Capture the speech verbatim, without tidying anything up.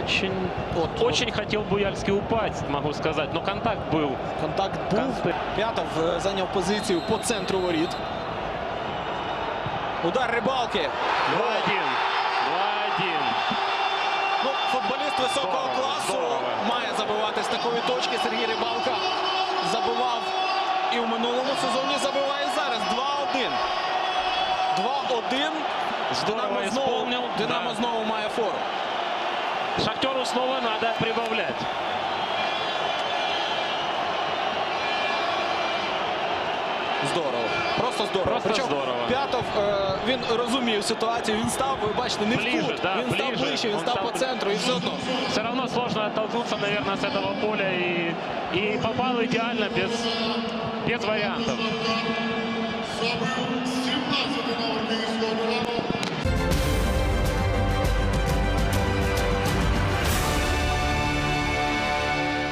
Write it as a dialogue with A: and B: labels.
A: очень,
B: Вот,
A: очень хотел Буяльский упасть, могу сказать. Но контакт был.
B: Контакт був.
A: Контакт.
B: П'ятов е, зайняв позицію по центру воріт. Удар Рибалки.
A: два-один. два-один.
B: Ну, футболіст високого
A: Здорово,
B: класу
A: здорово.
B: має забивати з такої точки. Сергій Рибалка забивав і в минулому сезоні, забиває зараз. два-один. два-один.
A: Здорово
B: Динамо знову,
A: исполнил.
B: Динамо
A: Да.
B: знову має фору.
A: Шахтеру снова надо прибавлять.
B: Здорово. Просто здорово.
A: Просто
B: Причому
A: здорово.
B: П'ятов, е, він розумів ситуацію, він став, ви бачите, не
A: Ближе,
B: в кут.
A: да,
B: він став
A: ближе.
B: ближче, він
A: Он
B: став
A: став
B: по центру і все одно.
A: Все равно сложно оттолкнуться, наверное, с этого поля. И, и попал идеально, без, без вариантов.